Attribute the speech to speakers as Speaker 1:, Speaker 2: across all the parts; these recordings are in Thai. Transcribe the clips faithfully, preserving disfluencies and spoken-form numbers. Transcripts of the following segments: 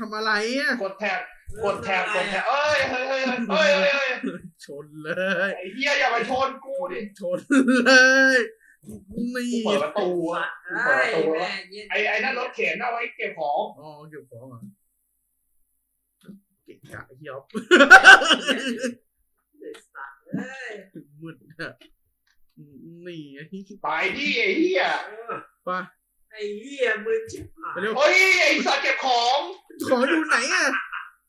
Speaker 1: ำอะไรอ่ะ
Speaker 2: กดแท็บกดแท็บกดแท็บเอ้ยเฮ้ยเฮ้ยเฮ้ยเฮ้ยเฮ้ย
Speaker 1: ชนเลย
Speaker 2: ไอ้เหี้ยอย่าไปชนกูดิ
Speaker 1: ชนเลยนี่
Speaker 2: เปิดประตูเปิดประตูไอ้ไอ้นั่นรถเข็นเอาไว้เก็บของ
Speaker 1: อ๋อเก็บของอ่ะเก็บกะเหี้ยบมืดอ่ะนี่ไอ้
Speaker 2: ไปดิไอ้เหี้ย
Speaker 1: ไป
Speaker 3: ไอ้เหี้ยมึงชิบหาย
Speaker 2: เฮ้ยไอ้สัตว์เก็บของ
Speaker 1: ของอยู่ไหนอ่ะ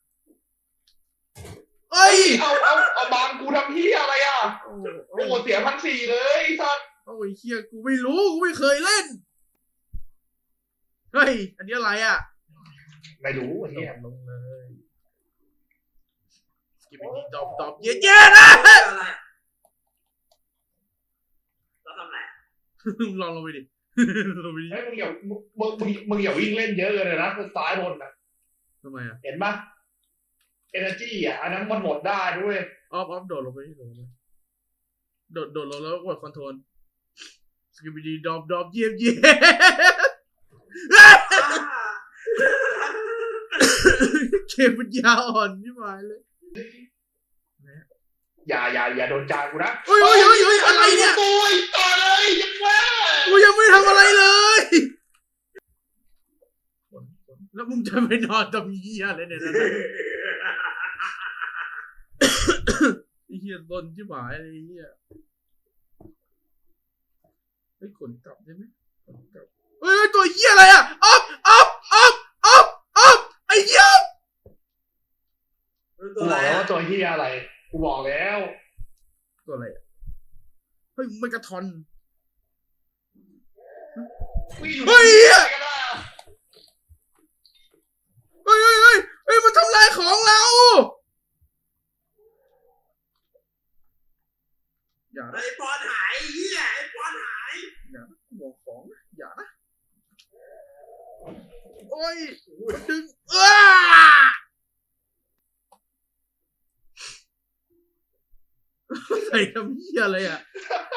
Speaker 1: เอ้ย
Speaker 2: เอาเอาเอาบางกูทำเหี้ยอะไรอ่ะโอ้เสียพันสี่เลยไอ้สัตว์
Speaker 1: โอ้ยเหี้ยกูไม่รู้กูไม่เคยเล่นเฮ้ยอันนี้อะไรอ่ะ
Speaker 2: ไม่รู้ไอ้เหี้ย
Speaker 1: ลงเลยสกิปปี้ดอบดอบเย้เย้นะ
Speaker 3: เราทำไร
Speaker 1: ลองลงไปดิลงไปดิ
Speaker 2: เฮ้ยมึงอย่ามึงมึงมึงอย่าวิ่งเล่นเยอะเลยนะซ้ายบนนะ
Speaker 1: ทำไมอ่ะ
Speaker 2: เห็นปะเอเนอร์จีอ่ะอันนั้นมันหมดได้ด้วย
Speaker 1: ออฟออฟโดดลงไปโดดลงไปโดดโดดลงแล้วกดคอนโทรลสกิปปี้ดอบดอบเยี่ยมเยี่ยมเกมมันยาวอ่อนที่หมายเลย
Speaker 2: อย่าอย่าอย่าโดนจานกูนะ
Speaker 1: เฮ้ยเฮ้ยเฮ้ยเฮ้ยอะไรเนี่ย
Speaker 2: โอ้ยต่อเลยยังว่า
Speaker 1: กูยังไม่ทำอะไรเลยแล้วมึงจะไปนอนตรงนี้อะไรเนี่ยนะไอ้เหี้ยโดนที่หมายอะไรเหี้ยไอ้ขนกลับได้ไหมขนกลับเฮ้ยตัวเหี้ยอะไรอ่ะอ๊อบอ๊อบอ๊อบอ๊อบอ๊อบไอ้เหี้ย
Speaker 2: กูบอกแล้วว่าตัวเหี้ยอะไรกูบอกแล้ว
Speaker 1: ตัวอะไรอ่ะเฮ้ยมันกระทอนเฮ้ยเฮ้ยเฮ้ยเฮ้ยเฮ้ยมันทำลายของเราอย่า
Speaker 3: ไอ้ปอนหายเหี้ยไอ้ปอนหาย
Speaker 1: อย่าบอกของอย่านะโอ้ยมันดึงอ้าใส่ทำเหี้ยอะไรอ่ะ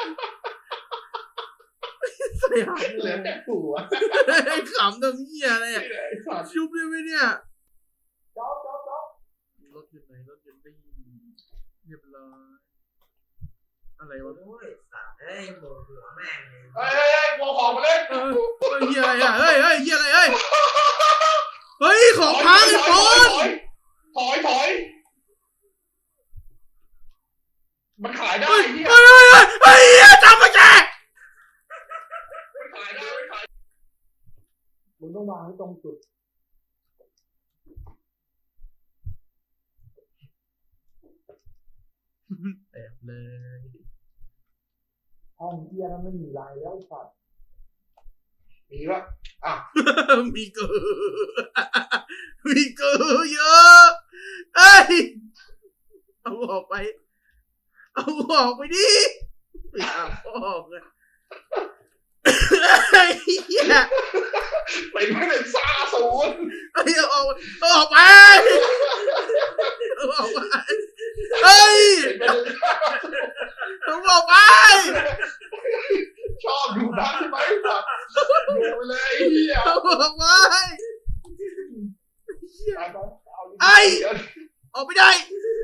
Speaker 1: ใส่หาง
Speaker 2: เหลือแต่หัว
Speaker 1: ไอ้ขำทำเหี้ยอะไรอ่ะชุบได้ไหมเนี่ย
Speaker 2: จ๊อบจ๊อบจ๊อบ
Speaker 1: รถอยู่ไหนรถอยู่นี่เรียบร้อยอะไรวะ
Speaker 3: โอ้ยสัตว์เฮ้ยโมหัวแม่ง
Speaker 2: เฮ้ยเฮ้ยโมของมาเล่น
Speaker 1: เฮ้ยเหี้ยอะไรอ่ะเฮ้ยเฮ้ยเหี้ยอะไรเฮ้ยเฮ้ยของพังไอ้ปอน
Speaker 2: ถอยถอยมันขายได้เนี่ย
Speaker 1: เฮ้ยเฮ้ยเฮ้ยเฮ้ยจับมาแก
Speaker 2: มันขายได้มันขายมึงต้องวางให้ตรงจุด
Speaker 1: แอบเลย
Speaker 2: ห้องเที่ยนั้นไม่มีลายแล้วสัตว์มีปะอ่ะ
Speaker 1: มีเกลือมีเกลือเยอะเอ้ยเอาออกไปเอาออกไปดิเอาออกเลยไอ้เหี้ย
Speaker 2: เป็นไม่เป็นซาศูนย์
Speaker 1: ไอ้เอาออกเอาออกไปเอาออกไปเฮ้ยเอาออกไป
Speaker 2: ชอบดูดังใช่ไหมสัตว์ดูไปเลยไอ้เหี้ย
Speaker 1: เอาออกไปไอ้ออกไม่ได้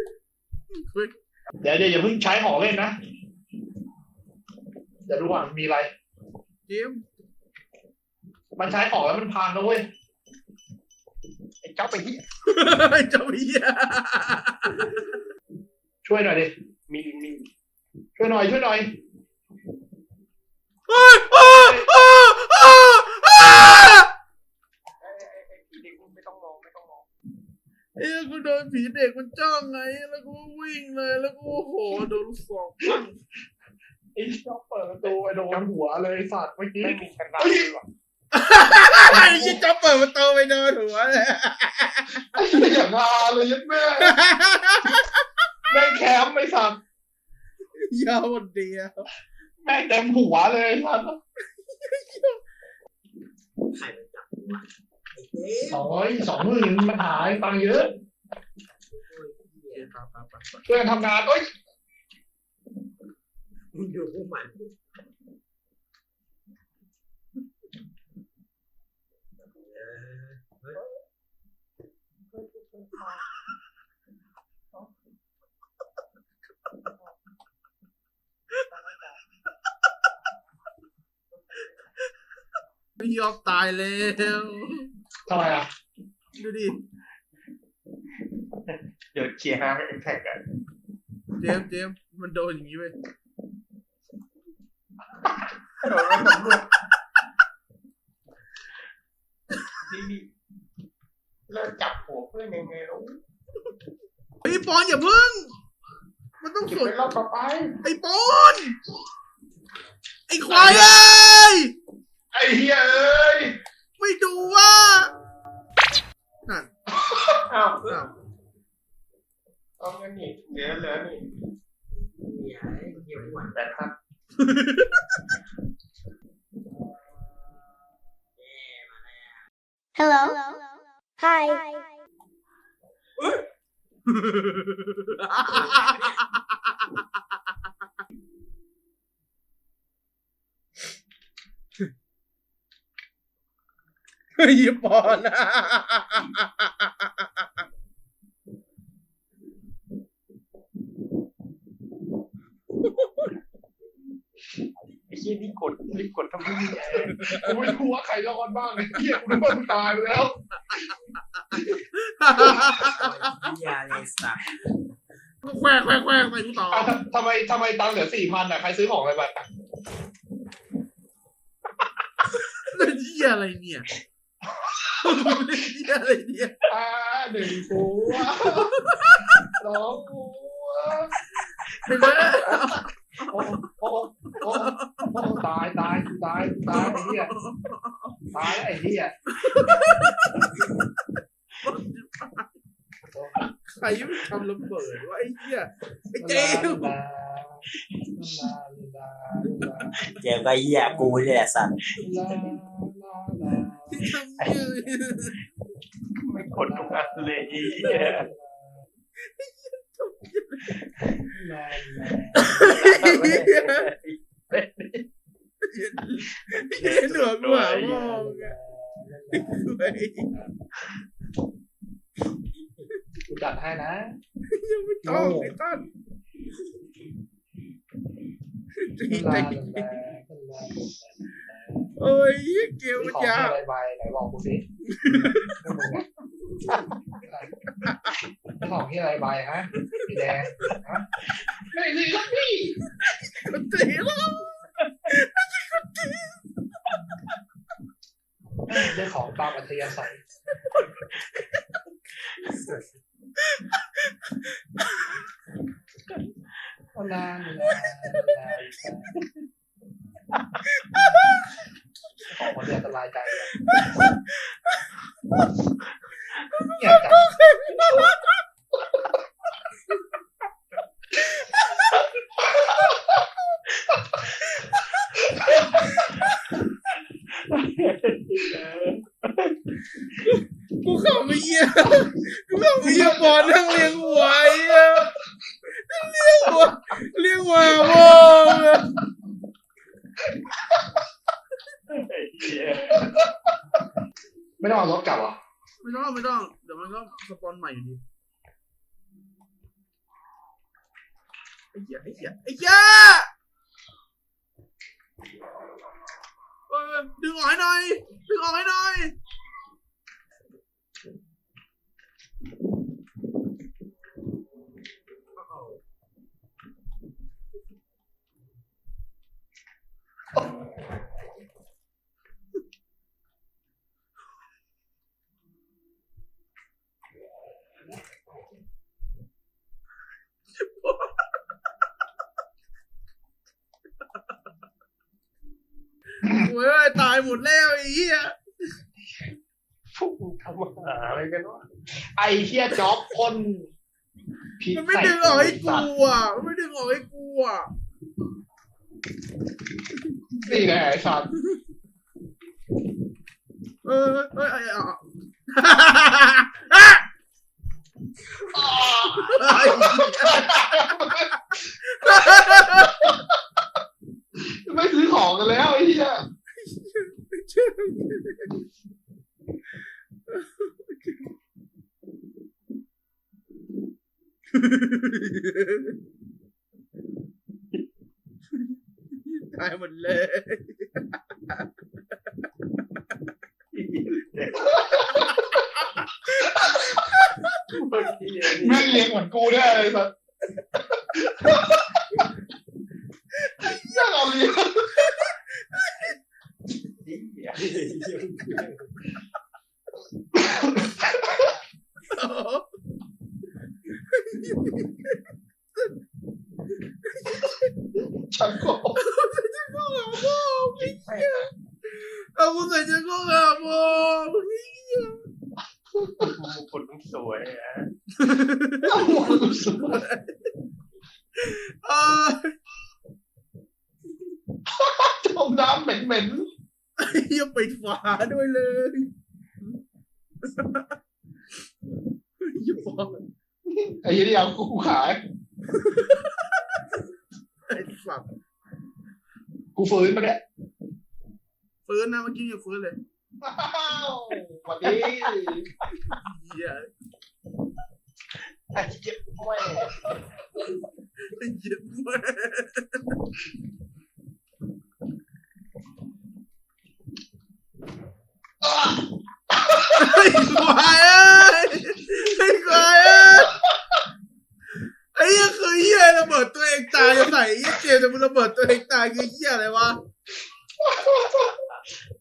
Speaker 2: เดี๋ยวเดี๋ยวอย่าเพิ่งใช้ของเล่นนะเดี๋ยวดูว่ามีอะไร
Speaker 1: เกม
Speaker 2: มันใช้ของแล้วมันพังนะเว้ยไอ้เจ้าไปที่
Speaker 1: ไอ้เจ้าไปที่
Speaker 2: ช่วยหน่อยดิมีมีช่วยหน่อยช่วยหน่อย
Speaker 1: เฮ้ยอ้าอ้าอ้าอ้า
Speaker 2: ไม่ต้องมองไม่ต้องมอง
Speaker 1: เอ้ยกูโดนผีเด็กมันจ้องไงแล้วกูวิ่งเลยแล้วกูโหโดนสองปัง
Speaker 2: ไอ้ชอบเปิดประตูไอ้โดนหัวเลยสัตว์เมื่อกี้ไม่มีกันดังเลยว่ะ
Speaker 1: ไอ้ยี่จ๊อบเปิดประตูไปโดนหัวเลย
Speaker 2: อย่างงาเลยยัดแม่แม่แคมไม่สัตว์
Speaker 1: ยาววันเดียว
Speaker 2: แม่เต็มหัวเลยสัตว์
Speaker 3: ใครมันจับ
Speaker 2: สองร้อยสองหมื่นมันหายตังเยอะเพื่อนทำงานเอ้ย
Speaker 3: มึงดูพวกมัน
Speaker 1: พี่ออฟตายแล้ว
Speaker 2: ทำไมอ่ะ
Speaker 1: ดูดิ
Speaker 2: เดี๋ยวเคลียร์ฮาร์แท็กกัน
Speaker 1: เจมส์เจมส์มันโดนอย่างนี้เว้ย
Speaker 2: นี่นี่เลิกจับหัวเพื่อนยังไงลูก
Speaker 1: ไอ้ปอนอย่าพึ่งมันต้อง
Speaker 2: เก็บ
Speaker 1: สว
Speaker 2: ไป
Speaker 1: น
Speaker 2: รอบต่อไป
Speaker 1: ไอ้ปอนไอ้ควายเอ้ย
Speaker 2: ไอ้เหี้ยเอ้ย
Speaker 1: ไม่ดูว่านั่น
Speaker 2: อ้าว
Speaker 1: อ้าว
Speaker 2: เอาเงินนี่เหลือเหลือนี่
Speaker 3: เหี้ยไอ้เหี้ยอ้วน
Speaker 2: แปดครับ
Speaker 3: แย่มาแล้ว
Speaker 4: Hello. Hi.
Speaker 1: เฮ้ยปอน
Speaker 2: ไอ้เหี้ยนี่กดนี่กดทำไมเนี่ยกูไม่รู้ว่าใครรอดบ้างไอ้เหี้ยกูนึกว่ามึงตายไปแล้ว
Speaker 3: เหี้ยไอ้สัตว์
Speaker 1: แควกแควกแควกไปกูต่อ
Speaker 2: อ้าวทำไมทำไมตังค์เหลือสี่พันอ่ะใครซื้อของอะไรไปอ่ะ
Speaker 1: เล่นเหี้ยอะไรเนี่ยเล่นเหี้ยอะไรเนี่ย
Speaker 2: อ่าหนึ่งหัวสองหัว
Speaker 1: ไปเลย
Speaker 2: โอ้โอ้โอ้โอ้ตายตายตายตายไอ้เหี้ยตายไอ้เหี้ย
Speaker 1: ใครยังทำระเบิดวะไอ้เหี้ยไอ้เจมส์
Speaker 3: เจ็บก็เหี้ยกูนี่แหละสัตว์
Speaker 1: ที่ทำเนี่ย
Speaker 2: ไม่กดทุกอันเลยไอ้เหี้ย
Speaker 1: เห็นหนวดหัวมองอะเฮ้ย
Speaker 2: กูจัดให้นะ
Speaker 1: ยังไม่ต้องไอ้ต้นจริงจริงโอ้ยเกมมัน
Speaker 2: ของ
Speaker 1: ยา
Speaker 2: ที่
Speaker 1: ว
Speaker 2: อะไรไปไหนบอกกูสิของที่อะไรไปฮะพี่แดงฮะไม่สิครับพี่
Speaker 1: มันตีแล้ว
Speaker 2: ได้ของตามอัธยาศัยนานนานนานของคนเดียวสบายใจเนี่ยจับ
Speaker 1: กูเข้าไม่เยี่ยกูเข้าไม่เยี่ยบอลนั่งเลี้ยงหัวไอ้เหี้ยเลี้ยงหัวเลี้ยงหัวมองอะ
Speaker 2: ไม่ต้องเอารถกลับเหรอ
Speaker 1: ไม่ต้องไม่ต้องเดี๋ยวมันก็สปอนใหม่อยู่ดีไอ้เหี้ยไอ้เหี้ยไอ้เหี้ยเออดึงออกให้หน่อยดึงออกให้หน่อยโอ้ยตายหมดแล้วไอ้เหี้ย
Speaker 2: พวกมึงทำหาอะไรกันวะไอ้เหี้ยจ๊อบคนผิด
Speaker 1: มันไม่ดึงออกให้กูอ่ะมันไม่ดึงออกให้กูอ่ะ
Speaker 2: นี่แหละไอ้สัตว์
Speaker 1: เออเออเออเออ
Speaker 2: ไม่ซื้อของกันแล้วไอ้เหี้ย
Speaker 1: ตายหมดเลย
Speaker 2: เมื่อกี้แม่งเลี้ยงเหมือนกูได้เลยสัสยังเอาเลี้ยงชักโครก
Speaker 1: เอากูใส่เชือกโคกอาบน้ำ
Speaker 2: คนมึงสวยอ่ะ
Speaker 1: เอ้ย
Speaker 2: จมน้ำเหม็น
Speaker 1: ยังปิดฝาด้วยเลยอย่าบอก
Speaker 2: ๆไอ้ยี่นี่เอากูขาย
Speaker 1: ไอ้สัตว์
Speaker 2: กูฟื้นมาเนี่ย
Speaker 1: ฟื้นนะเมื่อกี้ยังฟื้นเลย
Speaker 2: วันนี้
Speaker 1: เหี้ย
Speaker 2: ไอ้เจ็บแม่
Speaker 1: ไอ้เหี้ยแม่ไอ้ควายเอ้ยไอ้ควายเอ้ยไอ้เหี้ยคือเหี้ยระเบิดตัวเองตายจะใส่ไอ้เหี้ยเจมส์จะมึงระเบิดตัวเองตายคือเหี้ยอะไรวะ